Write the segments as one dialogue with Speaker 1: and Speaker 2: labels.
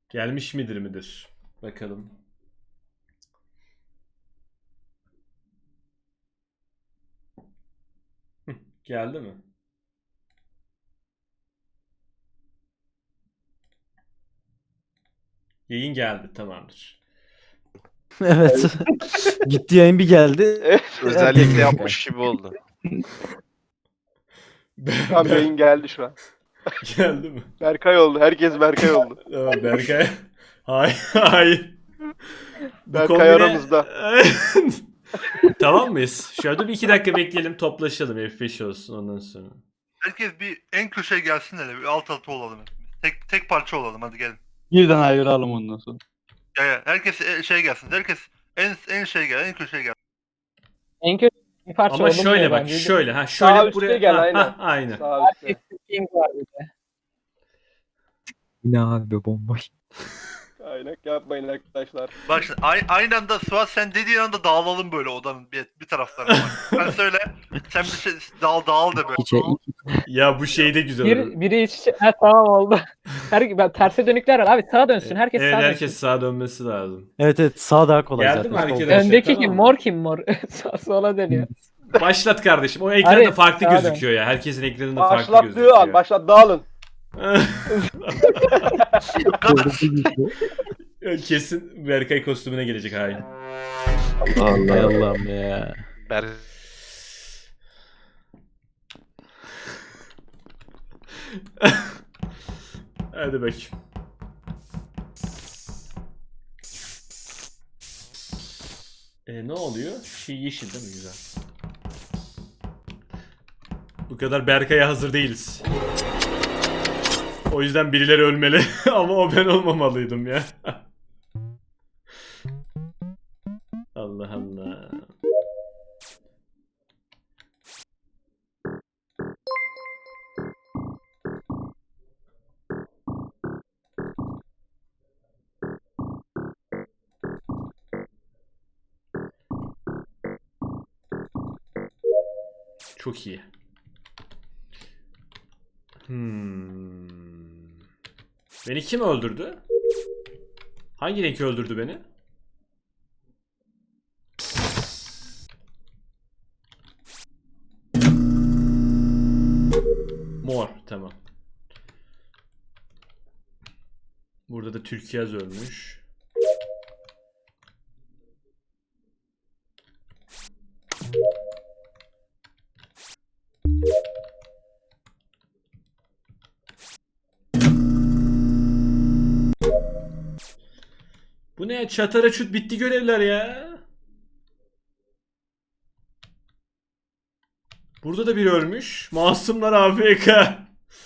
Speaker 1: Gelmiş midir? Bakalım. Geldi mi? Yayın geldi, tamamdır.
Speaker 2: Evet. Gitti yayın bir geldi.
Speaker 3: Özellikle yapmış gibi oldu.
Speaker 4: Tam yayın geldi şu an.
Speaker 1: Geldi mi?
Speaker 4: Berkay oldu. Herkes Berkay oldu.
Speaker 1: Tamam, Berkay. Hayır. Bu
Speaker 4: Berkay aramızda.
Speaker 1: Tamam mıyız? Şöyle bir 2 dakika bekleyelim, toplaşalım. F5 olsun ondan sonra.
Speaker 5: Herkes bir en köşeye gelsin hele. Bir alt alta olalım. Tek parça olalım, hadi gelin.
Speaker 6: Birden ayıralım ondan sonra.
Speaker 5: Ya herkes şey gelsin. Herkes en şey gel, en köşeye gel.
Speaker 7: En kötü bir parça
Speaker 1: Ama
Speaker 7: olunmuyor
Speaker 1: şöyle bak,
Speaker 7: bence.
Speaker 1: şöyle
Speaker 4: Sağ
Speaker 1: şöyle
Speaker 4: üstte
Speaker 1: buraya
Speaker 4: gel, aynen.
Speaker 1: aynen.
Speaker 4: Sağ üstte.
Speaker 7: King var bir de.
Speaker 8: Yine abi bomboş.
Speaker 4: Aynen, yapmayın arkadaşlar.
Speaker 5: Bak şimdi aynı anda Suat sen dediğin anda dağılalım böyle odanın bir taraflarına. Sen söyle. Sen bir şey dağıl da böyle.
Speaker 8: İçe
Speaker 1: Ya bu şey de güzel olur.
Speaker 7: Biri iç içe. Ha, tamam oldu. Ben terse dönükler var abi. Sağa dönsün. Herkes
Speaker 1: Evet,
Speaker 7: sağa
Speaker 1: herkes
Speaker 7: dönsün.
Speaker 1: sağa dönmesi lazım.
Speaker 2: Evet sağ daha kolay
Speaker 1: Geldi
Speaker 2: zaten.
Speaker 1: mi
Speaker 2: Sol.
Speaker 1: arkadaşlar?
Speaker 7: Öndeki
Speaker 1: Tamam
Speaker 7: kim?
Speaker 1: mı?
Speaker 7: Mor kim mor? Sola dönüyor.
Speaker 1: Başlat kardeşim. O ekranda
Speaker 7: Hadi,
Speaker 1: farklı
Speaker 7: sağa dön.
Speaker 1: gözüküyor ya. Herkesin ekranında farklı
Speaker 4: Başlattığı
Speaker 1: gözüküyor.
Speaker 4: an. Başlat, dağılın.
Speaker 1: Kesin Berkay kostümüne gelecek hain.
Speaker 2: Hay Allah'ım ya.
Speaker 3: Ber
Speaker 1: Hadi bakayım. Ne oluyor? Şey yeşil değil mi? Güzel. Bu kadar Berkay'a hazır değiliz. O yüzden birileri ölmeli. Ama o ben olmamalıydım ya. Allah Allah. Çok iyi. Beni kim öldürdü? Hangi renk öldürdü beni? Mor, tamam. Burada da Türkiyaz ölmüş. Bu ne? Çatara çut bitti görevler ya. Burada da biri ölmüş. Masumlar AFK.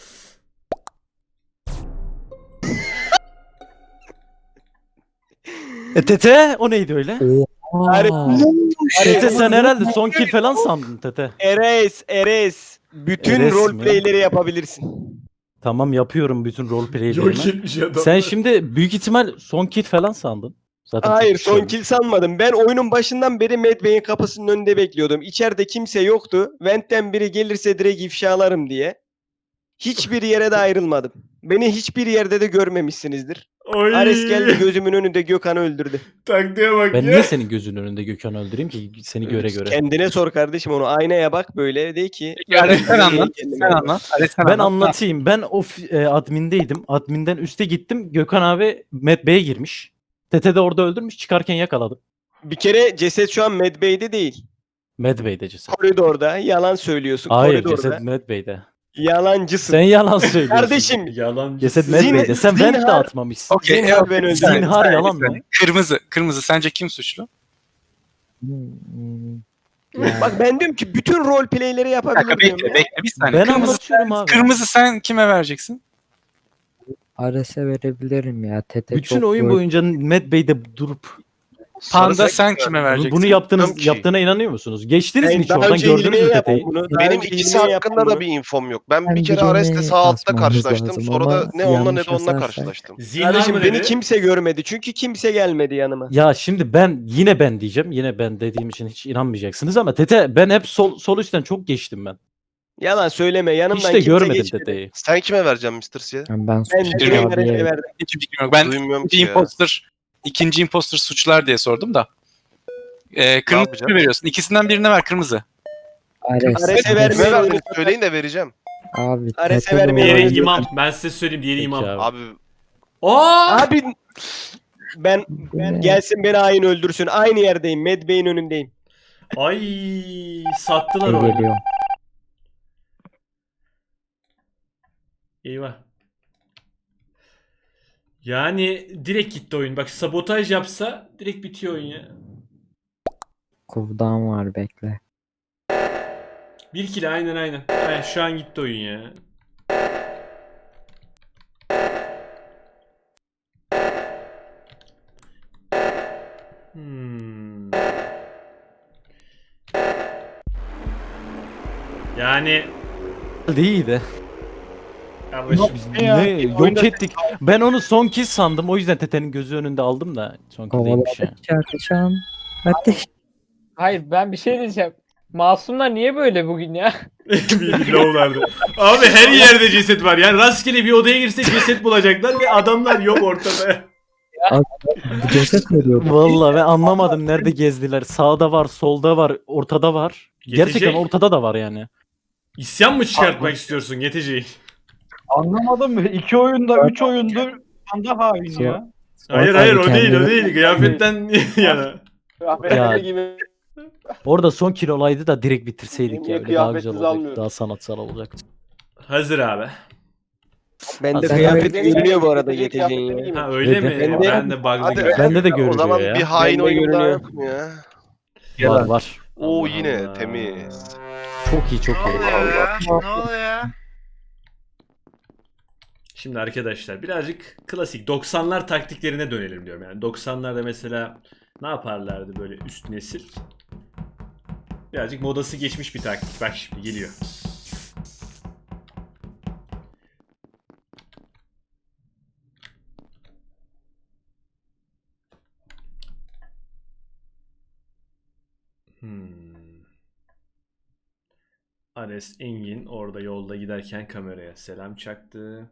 Speaker 2: Tete o neydi öyle? Tete sen herhalde son kill falan sandın Tete.
Speaker 9: Eres. Bütün
Speaker 2: Eres mi?
Speaker 9: roleplay'leri yapabilirsin.
Speaker 2: Tamımyapıyorum bütün
Speaker 1: Yok
Speaker 2: roleplay'lerimi.
Speaker 1: etmiş adam.
Speaker 2: Sen şimdi büyük ihtimal son kill falan sandın. Zaten
Speaker 9: Hayır,
Speaker 2: çok
Speaker 9: son
Speaker 2: şey
Speaker 9: kill sanmadım. Ben oyunun başından beri Mad Bey'in kapısının önünde bekliyordum. İçeride kimse yoktu. Vent'ten biri gelirse direkt ifşalarım diye. Hiçbir yere de ayrılmadım. Beni hiçbir yerde de görmemişsinizdir.
Speaker 1: Oy.
Speaker 9: Ares geldi gözümün önünde Gökhan'ı öldürdü.
Speaker 1: Taktiğe bak
Speaker 2: Ben
Speaker 1: ya.
Speaker 2: niye senin gözünün önünde Gökhan'ı öldüreyim ki seni göre göre?
Speaker 9: Kendine sor kardeşim onu. Aynaya bak böyle de ki.
Speaker 6: Ares sen anlat.
Speaker 9: Kendime
Speaker 6: Sen
Speaker 9: bak.
Speaker 6: anlat. Ares sen
Speaker 2: Ben
Speaker 6: anlat.
Speaker 2: anlatayım. Ben admindeydim. Adminden üste gittim. Gökhan abi Mad Bey'e girmiş. Tete de orada öldürmüş. Çıkarken yakaladım.
Speaker 9: Bir kere ceset şu an Mad Bey'de değil.
Speaker 2: Mad Bey'de ceset.
Speaker 9: Koridorda. Yalan söylüyorsun.
Speaker 2: Hayır
Speaker 9: Koridorda.
Speaker 2: ceset Mad Bey'de.
Speaker 9: Yalancısın.
Speaker 2: Sen yalan söylüyorsun.
Speaker 9: Kardeşim.
Speaker 1: Yalan.
Speaker 2: Ceset Mad
Speaker 9: Zin-
Speaker 2: Bey'de. Sen vent de
Speaker 9: zinhar-
Speaker 2: atmamışsın.
Speaker 6: Okey.
Speaker 9: Zinhar ben öldürdüm.
Speaker 2: Zinhar yalan mı?
Speaker 6: Kırmızı sence kim suçlu?
Speaker 9: Bak ben diyorum ki bütün roleplay'leri
Speaker 6: Bir dakika
Speaker 9: yapabilirim diyorum ya.
Speaker 6: bekle bir saniye.
Speaker 2: Ben
Speaker 6: Kırmızı,
Speaker 2: anlatıyorum abi.
Speaker 6: kırmızı sen kime vereceksin?
Speaker 8: Ares'e verebilirim ya. Tete
Speaker 2: Bütün
Speaker 8: çok
Speaker 2: oyun
Speaker 8: böyle-
Speaker 2: boyunca Mad Bey'de durup
Speaker 6: Panda sen kime vereceksin?
Speaker 2: bunu
Speaker 3: Bilmiyorum ki.
Speaker 2: yaptığına inanıyor musunuz? Geçtiniz mi
Speaker 9: Ben
Speaker 2: hiç
Speaker 9: daha
Speaker 2: oradan
Speaker 9: önce
Speaker 2: gördünüz mü
Speaker 9: İlmi'ye
Speaker 2: Tete'yi?
Speaker 9: yaptım bunu. Daha
Speaker 3: benim
Speaker 9: önce
Speaker 3: ikisi
Speaker 9: İlmi'ye
Speaker 3: hakkında
Speaker 9: yaptım
Speaker 3: da
Speaker 9: bunu.
Speaker 3: bir infom yok. Ben bir
Speaker 8: Ben
Speaker 3: kere
Speaker 8: birini
Speaker 3: Ares'le sağ altta
Speaker 8: asmamız
Speaker 3: karşılaştım.
Speaker 8: lazım
Speaker 3: Sonra
Speaker 8: ama
Speaker 3: da ne onunla ne
Speaker 8: yanlış
Speaker 3: de onunla
Speaker 8: asarsak-
Speaker 3: karşılaştım.
Speaker 1: Zinhar
Speaker 9: Kardeşim
Speaker 1: mı
Speaker 9: beni
Speaker 1: dedi?
Speaker 9: kimse görmedi çünkü kimse gelmedi yanıma.
Speaker 2: Ya şimdi yine ben diyeceğim. Yine ben dediğim için hiç inanmayacaksınız ama Tete ben hep sol üstten çok geçtim ben.
Speaker 9: Yalan söyleme yanımdan
Speaker 2: Hiç de
Speaker 9: kimse
Speaker 2: görmedim
Speaker 9: geçmedi.
Speaker 2: dedeyi.
Speaker 3: Sen kime vereceksin Mr. C'ye?
Speaker 8: Ben
Speaker 9: Ben
Speaker 8: suçlu
Speaker 9: direkt
Speaker 8: abiye
Speaker 9: Bereka'ya verdim.
Speaker 6: Hiçbir fikrim yok. Ben
Speaker 3: Duymuyorum ki
Speaker 6: ikinci
Speaker 3: ya.
Speaker 6: imposter suçlar diye sordum da. Kırmızı
Speaker 3: yapacağım?
Speaker 6: mı veriyorsun? İkisinden birine ver kırmızı.
Speaker 9: Ares'e
Speaker 3: Kime
Speaker 9: vermeyi
Speaker 3: verdiniz söyleyin de vereceğim.
Speaker 8: Abi
Speaker 9: Ares'e
Speaker 8: Tete
Speaker 9: vermeyi
Speaker 8: doğru.
Speaker 1: Diğeri
Speaker 9: oynuyor.
Speaker 1: imam. Ben size söyleyeyim diğeri
Speaker 2: Peki
Speaker 1: imam.
Speaker 2: abi.
Speaker 3: Abi
Speaker 1: Aa!
Speaker 9: Abi ben gelsin beni hain öldürsün. Aynı yerdeyim. Mad Bey'in önündeyim.
Speaker 1: Ay sattılar
Speaker 8: Ben
Speaker 1: oyunu.
Speaker 8: geliyorum.
Speaker 1: Eyvah. Yani direkt gitti oyun. Bak sabotaj yapsa direkt bitiyor oyun ya.
Speaker 8: Kovdan var bekle.
Speaker 1: 1 kilo aynen. Aynen şu an gitti oyun ya. Hmm. Yani
Speaker 2: İyiydi.
Speaker 1: kardeşim
Speaker 2: Ne yok ettik. Ben onu son kez sandım. O yüzden Tete'nin gözü önünde aldım da son kez değilmiş ya.
Speaker 8: Kovaladık çarpışan. Hadi.
Speaker 7: Hayır ben bir şey diyeceğim. Masumlar niye böyle bugün ya?
Speaker 1: bir low'lardı. Abi her yerde ceset var. Yani rastgele bir odaya girsek ceset bulacaklar ve adamlar yok ortada.
Speaker 8: Bu ceset veriyor.
Speaker 2: Vallahi ben anlamadım nerede gezdiler. Sağda var, solda var, ortada var. Gerçekten
Speaker 1: Yetecek.
Speaker 2: ortada da var yani.
Speaker 1: İsyan mı çıkartmak istiyorsun Geteci'yi?
Speaker 10: Anlamadım mı? 2 oyunda 3 oyundur anda hain ya.
Speaker 1: Hayır
Speaker 8: Abi
Speaker 1: o değil
Speaker 8: kendini-
Speaker 1: Kıyafetten yana.
Speaker 4: Rahmetli
Speaker 2: Ya.
Speaker 4: gibi.
Speaker 2: Orada son kil olaydı da direkt bitirseydik
Speaker 4: Niye
Speaker 2: ya. Öyle daha güzel
Speaker 4: kıyafetsiz
Speaker 2: olacaktı.
Speaker 4: almıyorum?
Speaker 2: Daha sanatsal olacaktı.
Speaker 1: Hazır abi.
Speaker 9: Bende
Speaker 2: Aslında
Speaker 9: kıyafet
Speaker 4: Beni
Speaker 9: görünüyor bu arada
Speaker 4: getirecek
Speaker 9: Geteci'nin
Speaker 4: kıyafetleri
Speaker 9: ya.
Speaker 4: giymiş.
Speaker 1: Ha öyle mi?
Speaker 2: Bende-
Speaker 1: Ben de bug'lı
Speaker 3: Hadi.
Speaker 1: gibi.
Speaker 2: Bende de
Speaker 3: o
Speaker 2: görünüyor
Speaker 3: zaman
Speaker 2: ya.
Speaker 3: bir hain
Speaker 9: Bende
Speaker 3: oyun daha
Speaker 9: görünüyor.
Speaker 3: yok mu ya?
Speaker 2: Var var.
Speaker 3: Oo
Speaker 1: Allah
Speaker 3: yine
Speaker 1: Allah.
Speaker 3: temiz.
Speaker 2: Çok iyi çok
Speaker 5: Ne
Speaker 2: iyi.
Speaker 5: oluyor ya? Ne oluyor ya?
Speaker 1: Şimdi arkadaşlar birazcık klasik 90'lar taktiklerine dönelim diyorum. Yani 90'larda mesela ne yaparlardı böyle üst nesil? Birazcık modası geçmiş bir taktik. Bak şimdi geliyor. Ares Engin orada yolda giderken kameraya selam çaktı.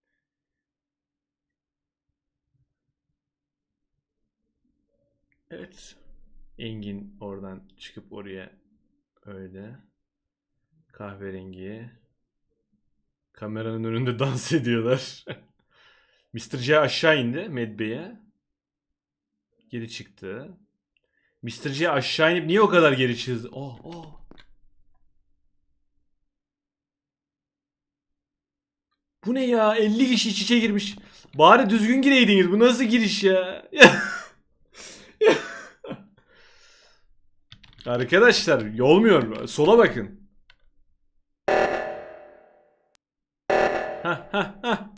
Speaker 1: Evet. Engin oradan çıkıp oraya öyle kahverengi kameranın önünde dans ediyorlar. Mr. C aşağı indi Medbe'ye. Geri çıktı. Mr. C aşağı inip niye o kadar geri çıktı? Oh. Bu ne ya? 50 kişi iç içe girmiş. Bari düzgün gireydiniz. Bu nasıl giriş ya? Arkadaşlar olmuyor. Sola bakın. Hah.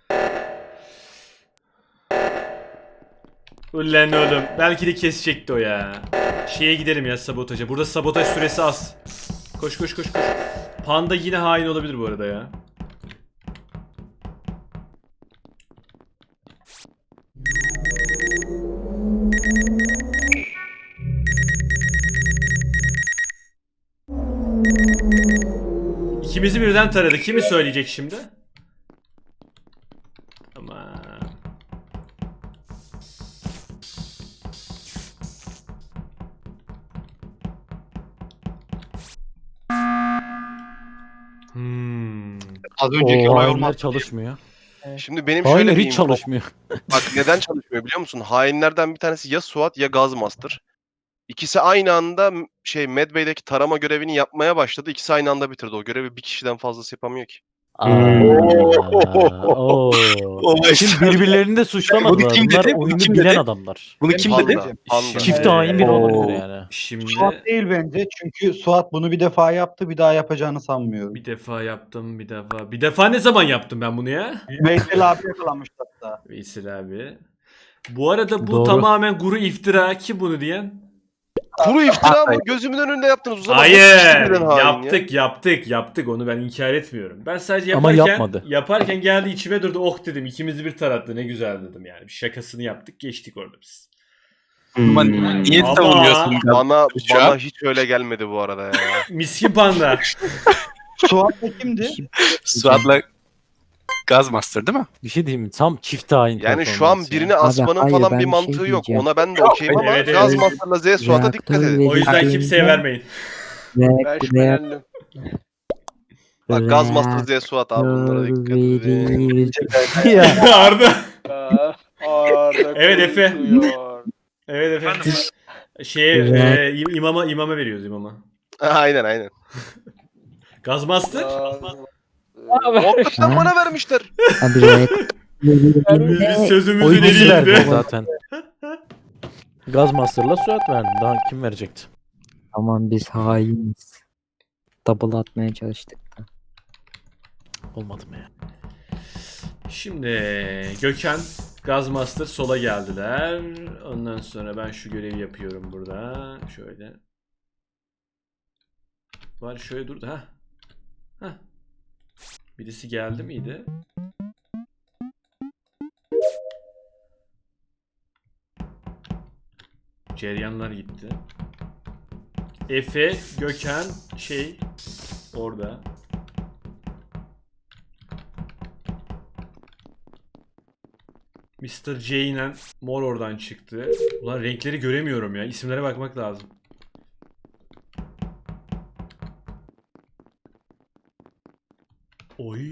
Speaker 1: Ulan oğlum. Belki de kesecekti o ya. Şeye gidelim ya sabotaja. Burada sabotaj süresi az. Koş. Panda yine hain olabilir bu arada ya. İkimizi birden taradı. Kimi söyleyecek şimdi? Tamam.
Speaker 3: Az önceki olay
Speaker 2: Hainler
Speaker 3: olmaz.
Speaker 2: çalışmıyor.
Speaker 3: Şimdi benim şöyle
Speaker 2: Hainler
Speaker 3: bir
Speaker 2: hiç
Speaker 3: info-
Speaker 2: çalışmıyor.
Speaker 3: Bak neden çalışmıyor biliyor musun? Hainlerden bir tanesi ya Suat ya Gazmaster. İkisi aynı anda Medbay'deki tarama görevini yapmaya başladı. İkisi aynı anda bitirdi. O görevi bir kişiden fazlası yapamıyor ki.
Speaker 2: Oo. Şimdi birbirlerini de suçlamadılar.
Speaker 6: Bunu kim
Speaker 2: Bunlar
Speaker 6: dedi? Bunu
Speaker 2: oyunu
Speaker 6: kim
Speaker 2: bilen
Speaker 6: dedi?
Speaker 2: adamlar.
Speaker 6: Bunu kim dedi?
Speaker 3: Panda.
Speaker 2: Çifte hain biri
Speaker 1: Oo.
Speaker 2: olabilir yani.
Speaker 1: Şimdi
Speaker 10: Suat değil bence çünkü Suat bunu bir defa yaptı bir daha yapacağını sanmıyorum.
Speaker 1: bir defa yaptım bir defa. Bir defa ne zaman yaptım ben bunu ya?
Speaker 10: Veysel abi yakalanmıştı hatta.
Speaker 1: Veysel abi. Bu arada bu
Speaker 2: Doğru.
Speaker 1: tamamen guru iftira. Kim bunu diyen?
Speaker 3: Kuru iftira mı? Gözümün önünde yaptınız. O zaman
Speaker 1: Hayır.
Speaker 3: nasıl birden hain ya?
Speaker 1: Yaptık. Onu ben inkar etmiyorum. Ben sadece
Speaker 2: Ama
Speaker 1: yaparken
Speaker 2: yapmadı.
Speaker 1: geldi içime durdu. Oh dedim. İkimizi bir tarattı. Ne güzel dedim yani. Bir şakasını yaptık. Geçtik orada biz.
Speaker 6: Ama niye
Speaker 1: Ama-
Speaker 6: savunuyorsun?
Speaker 3: Bana
Speaker 6: Şu an-
Speaker 3: hiç öyle gelmedi bu arada ya.
Speaker 1: Miskin panda.
Speaker 10: Suat da kimdi?
Speaker 6: Suat'la Gazmaster değil mi?
Speaker 2: Bir şey diyeyim mi? Tam çift hain
Speaker 3: Yani şu an
Speaker 2: performansı ya.
Speaker 3: birini asmanın
Speaker 8: hayır,
Speaker 3: falan
Speaker 8: ben
Speaker 3: bir
Speaker 8: bir
Speaker 3: mantığı
Speaker 8: şey
Speaker 3: yok.
Speaker 8: diyeceğim.
Speaker 3: Ona ben de okeyim ama
Speaker 1: Evet, evet.
Speaker 3: Gazmaster'la Z Suat'a dikkat
Speaker 8: Reaktör
Speaker 3: edin.
Speaker 1: O yüzden
Speaker 8: verildiğinde
Speaker 1: kimseye vermeyin.
Speaker 4: Ben şüphelendim.
Speaker 3: Bak Gazmaster Z Suat abi bunlara dikkat edin.
Speaker 8: verildi.
Speaker 2: Ya.
Speaker 1: Arda.
Speaker 4: Arda
Speaker 1: Evet, Efe.
Speaker 4: konuşuyor.
Speaker 1: Evet efendim.
Speaker 5: Efendim?
Speaker 1: İmama veriyoruz imama.
Speaker 3: Aynen.
Speaker 1: Gazmaster.
Speaker 3: Hakikaten bana vermişler.
Speaker 8: Abi reaktör
Speaker 1: Biz sözümüzün
Speaker 2: Oyuncusu verdi
Speaker 1: eriydi.
Speaker 2: zaten. Gazmaster'la Suat verdi. Daha kim verecekti?
Speaker 8: Aman biz hainiz. Double atmaya çalıştık.
Speaker 2: Olmadı mı ya?
Speaker 1: Şimdi Gökhan, Gazmaster sola geldiler. Ondan sonra ben şu görevi yapıyorum burada. Şöyle. Var şöyle durdu. Ha. Birisi geldi miydi? Ceryanlar gitti. Efe, Gökhan, orada. Mr. J ile Mor oradan çıktı. Ulan renkleri göremiyorum ya. İsimlere bakmak lazım. Oy.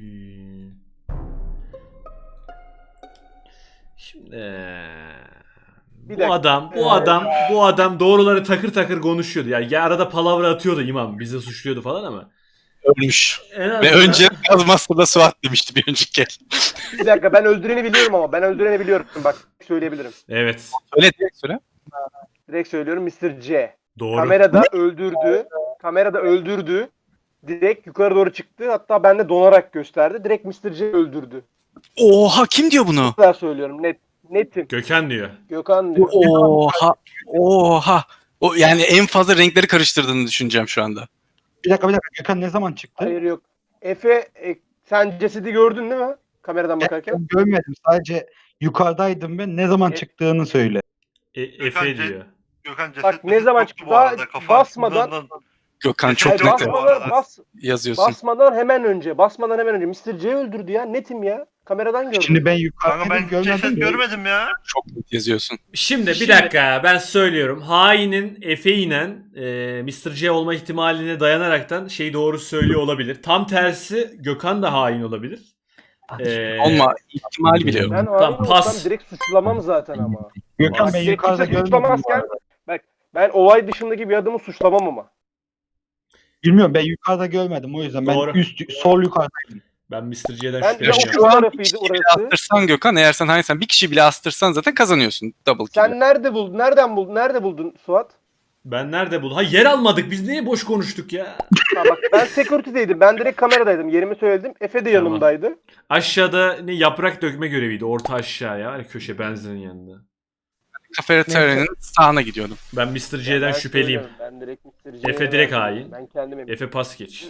Speaker 1: Şimdi
Speaker 4: Bir
Speaker 1: bu
Speaker 4: dakika.
Speaker 1: adam doğruları takır takır konuşuyordu. Yani arada palavra atıyordu imam. Bizi suçluyordu falan ama.
Speaker 6: Ölmüş.
Speaker 1: En
Speaker 6: Ve
Speaker 1: azından-
Speaker 6: önce Gazmaster'la Suat demişti bir önceki kez.
Speaker 4: Bir dakika ben öldüreni biliyorum ama ben öldüreni biliyorum. Bak söyleyebilirim.
Speaker 1: Evet.
Speaker 6: Öyle direkt söyle.
Speaker 4: Direkt söylüyorum Mr. C.
Speaker 1: Doğru.
Speaker 4: Kamerada öldürdü. Direkt yukarı doğru çıktı. Hatta bende donarak gösterdi. Direkt Mr. C öldürdü.
Speaker 6: Oha kim diyor bunu?
Speaker 4: Bu kadar söylüyorum. Netim.
Speaker 1: Gökhan diyor.
Speaker 4: Gökhan diyor.
Speaker 6: Oha. O yani en fazla renkleri karıştırdığını düşüneceğim şu anda.
Speaker 10: Bir dakika. Gökhan ne zaman çıktı?
Speaker 4: Hayır yok. Efe sen cesedi gördün değil mi? Kameradan bakarken.
Speaker 10: Ben görmedim. Sadece yukarıdaydım ben. Ne zaman çıktığını söyle.
Speaker 1: Efe diyor.
Speaker 5: Gökhan ceset
Speaker 4: Bak ne zaman
Speaker 5: yoktu
Speaker 4: çıktı?
Speaker 5: bu
Speaker 4: Daha
Speaker 5: arada, kafa
Speaker 4: basmadan
Speaker 5: açısından-
Speaker 6: Gökhan çok
Speaker 5: Hayır,
Speaker 6: net yazıyorsun.
Speaker 4: basmadan hemen önce Mr. C öldürdü ya. Netim ya. Kameradan gördüm.
Speaker 10: Şimdi ben
Speaker 5: Kanka
Speaker 10: yukarıdaydım
Speaker 5: ben
Speaker 10: görmedim.
Speaker 5: ceset görmedim ya.
Speaker 6: Çok net yazıyorsun.
Speaker 1: Şimdi bir dakika ben söylüyorum. Hainin Efe ile Mr. C olma ihtimaline dayanaraktan doğru söylüyor olabilir. Tam tersi Gökhan da hain olabilir.
Speaker 6: Olma ihtimali bile yok.
Speaker 4: Ben
Speaker 1: Tamam,
Speaker 4: hain
Speaker 1: pas.
Speaker 4: olsam direkt suçlamam zaten ama.
Speaker 10: Gökhan ben
Speaker 4: Direkt
Speaker 10: yukarıda
Speaker 4: kimse
Speaker 10: görmedim.
Speaker 4: suçlamazken ben olay dışındaki bir adamı suçlamam ama.
Speaker 10: Bilmiyorum ben yukarıda görmedim o yüzden. Ben
Speaker 1: Doğru.
Speaker 10: sol yukarıdaydım.
Speaker 1: Ben Mr. C'den
Speaker 4: Ben
Speaker 1: şüpheleniyorum.
Speaker 4: şu tarafıydı
Speaker 6: Bir bile
Speaker 4: orası.
Speaker 6: astırsan Gökhan, eğer sen hainsen bir kişi bile astırsan zaten kazanıyorsun double kill.
Speaker 4: Sen nerede buldun? Nerede buldun Suat?
Speaker 1: Ben nerede buldum? Ha yer almadık. Biz niye boş konuştuk ya?
Speaker 4: Ha bak ben security'deydim. Ben direkt kameradaydım. Yerimi söyledim. Efe de
Speaker 1: Tamam.
Speaker 4: yanımdaydı.
Speaker 1: Aşağıda ne yaprak dökme göreviydi. Orta aşağıya. Hani köşe benzinin yanında.
Speaker 6: Kafeteryanın sağına gidiyordum.
Speaker 1: Ben Mr. C'den
Speaker 4: Ben
Speaker 1: şüpheliyim.
Speaker 4: söylüyorum, Ben direkt Mr. C'ye
Speaker 1: Efe direkt
Speaker 4: verdim.
Speaker 1: hain.
Speaker 4: Ben kendim eminim.
Speaker 1: Efe pas geç.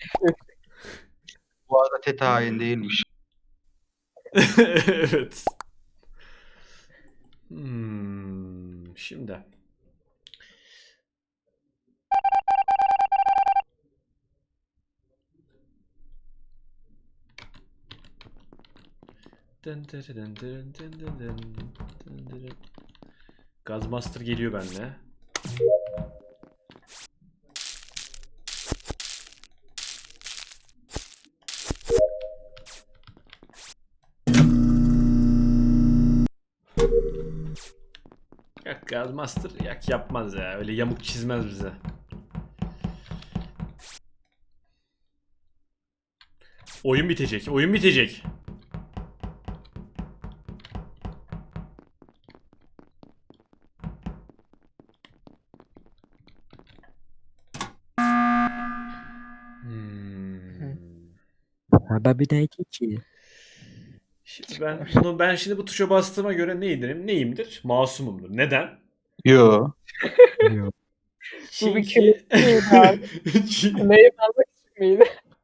Speaker 10: Bu arada Teta hain değilmiş.
Speaker 1: Evet. Şimdi. Gazmaster geliyor benimle. Yok Gazmaster yapmaz ya. Öyle yamuk çizmez bize. Oyun bitecek. Oyun bitecek.
Speaker 8: Abi neydi ki?
Speaker 1: Şimdi ben şimdi bu tuşa bastığıma göre neyimdir? Masumumdur. Neden?
Speaker 10: Yo.
Speaker 7: Bu bir
Speaker 1: Çünkü
Speaker 7: Neyi almak için miydi?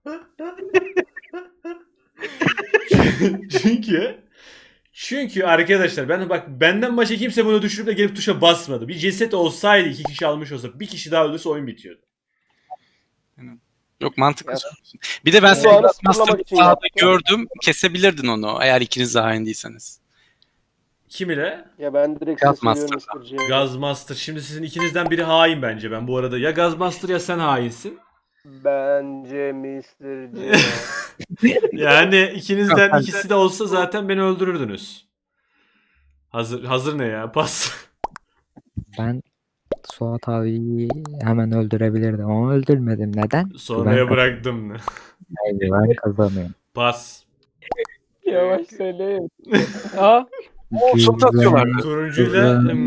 Speaker 1: çünkü arkadaşlar benden başka kimse bunu düşürüp de gelip tuşa basmadı. Bir ceset olsaydı 2 kişi almış olsa bir kişi daha öldürse oyun bitiyordu.
Speaker 6: Yok mantıklı.
Speaker 4: Ya,
Speaker 6: söylüyorsun. Bir de ben
Speaker 4: bu
Speaker 6: seni
Speaker 4: anı
Speaker 6: Master
Speaker 4: sınırlamak için
Speaker 6: sahada
Speaker 4: yaptım.
Speaker 6: gördüm. Kesebilirdin onu eğer ikiniz de hain değilseniz.
Speaker 1: Kim ile?
Speaker 4: Ya ben direkt
Speaker 6: Gaz
Speaker 4: seçiyorum
Speaker 6: Master'da.
Speaker 4: Mr. J'yi.
Speaker 1: Gazmaster. Şimdi sizin ikinizden biri hain bence ben bu arada. Ya Gazmaster ya sen hainsin.
Speaker 4: Bence Mr. C.
Speaker 1: Yani ikinizden ikisi de olsa zaten beni öldürürdünüz. Hazır ne ya? Pas.
Speaker 8: Ben Suat abiyi hemen öldürebilirdim ama öldürmedim. Neden?
Speaker 1: Sonraya bıraktım.
Speaker 8: Ben kazanıyorum.
Speaker 1: Pas.
Speaker 7: Yavaş söyle. Aa,
Speaker 6: Suat atıyorlar.
Speaker 1: Turuncuyla
Speaker 8: Güzel.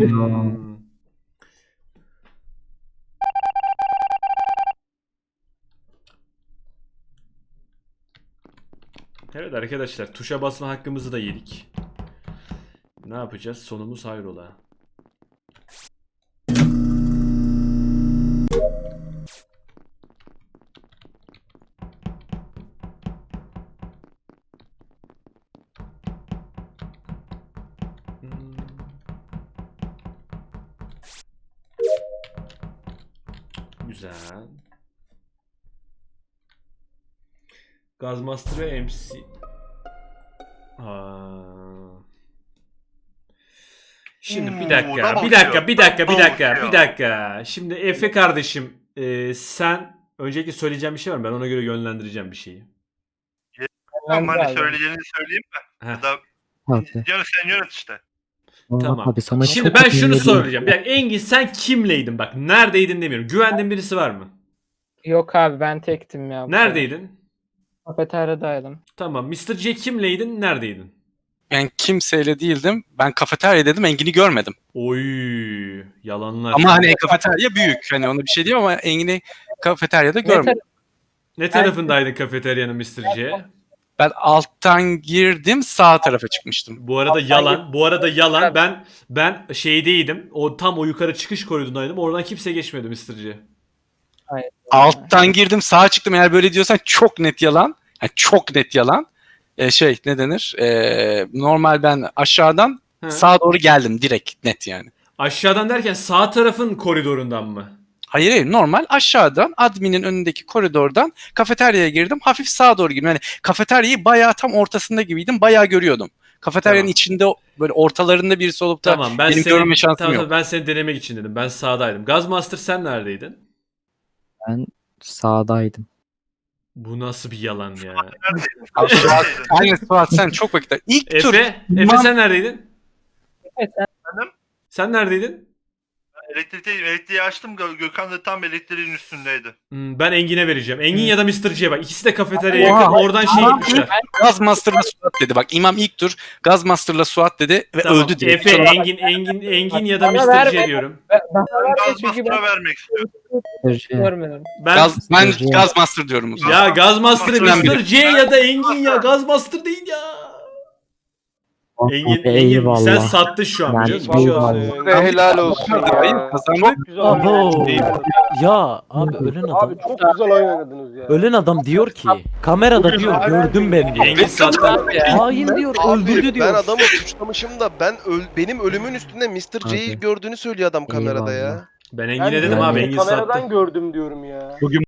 Speaker 1: Evet arkadaşlar, tuşa basma hakkımızı da yedik. Ne yapacağız? Sonumuz hayrola. Güzel. Gazmaster ve MC. Şimdi bir dakika. Şimdi Efe kardeşim, sen öncelikle söyleyeceğim bir şey var mı? Ben ona göre yönlendireceğim bir şeyi.
Speaker 5: Tamam
Speaker 7: ben de
Speaker 5: hani
Speaker 7: abi.
Speaker 5: söyleyeceğini söyleyeyim mi?
Speaker 1: Heh.
Speaker 5: Ya da
Speaker 8: Abi,
Speaker 5: sen yönet işte.
Speaker 1: Tamam.
Speaker 8: abi sana
Speaker 1: Şimdi
Speaker 8: çok
Speaker 1: ben
Speaker 8: kötü
Speaker 1: şunu
Speaker 8: geliyor.
Speaker 1: soracağım. Bir dakika, Engin sen kimleydin? Bak neredeydin demiyorum. Güvendiğin birisi var mı?
Speaker 7: yok abi ben tektim ya. bu
Speaker 1: Neredeydin?
Speaker 7: sefer. Kafeteryadaydım.
Speaker 1: Tamam. Mr. C kimleydin? Neredeydin?
Speaker 6: Ben kimseyle değildim. Ben kafeterya dedim. Engin'i görmedim.
Speaker 1: Oy, yalanlar.
Speaker 6: Ama hani kafeterya büyük. Hani ona bir şey diyeyim ama Engin'i kafeteryada
Speaker 7: Ne
Speaker 6: görmedim.
Speaker 1: Ne tarafındaydın kafeteryanın Mr. C?
Speaker 6: Ben alttan girdim, sağ tarafa çıkmıştım.
Speaker 1: Bu arada yalan. Bu arada yalan. Ben şeydeydim. O tam o yukarı çıkış koridorundaydım. Oradan kimse geçmedi Mr. C.
Speaker 7: Hayır.
Speaker 6: Alttan girdim, sağa çıktım. Eğer böyle diyorsan çok net yalan. Yani çok net yalan. Ne denir? Normal ben aşağıdan
Speaker 1: He.
Speaker 6: sağa doğru geldim direkt net yani.
Speaker 1: Aşağıdan derken sağ tarafın koridorundan mı?
Speaker 6: Hayır normal aşağıdan adminin önündeki koridordan kafeteryaya girdim. Hafif sağa doğru girdim. Yani kafeteryayı bayağı tam ortasında gibiydim. Bayağı görüyordum. Kafeteryanın
Speaker 1: Tamam.
Speaker 6: içinde böyle ortalarında birisi olup da
Speaker 1: Tamam, ben
Speaker 6: benim
Speaker 1: seni
Speaker 6: görme şansım
Speaker 1: tamam,
Speaker 6: yok.
Speaker 1: tamam, ben seni denemek için dedim. Ben sağdaydım. Gazmaster sen neredeydin?
Speaker 8: Ben sağdaydım.
Speaker 1: Bu nasıl bir yalan ya?
Speaker 6: Aynen Suat sen çok vakit. İlk tur
Speaker 1: Efe sen neredeydin?
Speaker 7: Evet,
Speaker 1: Sen neredeydin?
Speaker 5: Elektriği açtım. Gökhan da tam elektriğin üstündeydi.
Speaker 1: Ben Engin'e vereceğim. Engin ya da Mr. C'ye bak. İkisi de kafeteryaya
Speaker 6: Oha,
Speaker 1: yakın. Oradan şey
Speaker 6: tamam.
Speaker 1: gitmişler.
Speaker 6: Gazmaster'la Suat dedi. Bak İmam ilk tur Gazmaster'la Suat dedi ve
Speaker 1: Tamam.
Speaker 6: öldü diye.
Speaker 1: Efe, Engin ya da
Speaker 7: Bana
Speaker 1: Mr.
Speaker 7: verme.
Speaker 1: C diyorum.
Speaker 7: Bana verme çünkü ben
Speaker 5: Gazmaster'a vermek istiyorum.
Speaker 7: görmedim.
Speaker 1: Ben
Speaker 6: Ben Gazmaster diyorum o zaman.
Speaker 1: ya Gazmaster'ı
Speaker 6: Gazmaster
Speaker 1: Mr. C ya da Engin ya. Gazmaster değil ya. Engin sen
Speaker 8: Eyvallah.
Speaker 1: sattın şu an
Speaker 8: Yani
Speaker 1: biliyor musun? Bir şey olmaz.
Speaker 4: Vallahi size helal olsun
Speaker 6: Hayır
Speaker 4: ya.
Speaker 6: kazandık.
Speaker 4: Çok güzel
Speaker 2: Abo.
Speaker 4: oynadınız.
Speaker 2: Ya abi ölen adam.
Speaker 4: Abi çok güzel oynadınız ya.
Speaker 2: Ölen adam diyor ki kamerada diyor gördüm ben diyor.
Speaker 1: Engin sattı.
Speaker 2: Hain diyor öldürdü
Speaker 3: Ben
Speaker 2: diyor.
Speaker 3: adamı suçlamışım da benim ölümün üstünde Mr. C'yi
Speaker 8: Abi.
Speaker 3: gördüğünü söylüyor adam kamerada
Speaker 8: Eyvallah.
Speaker 3: ya.
Speaker 1: Ben
Speaker 4: Ben
Speaker 1: Engin'e dedim
Speaker 4: de
Speaker 1: abi, Engin
Speaker 4: kameradan
Speaker 1: sattı.
Speaker 4: gördüm diyorum ya.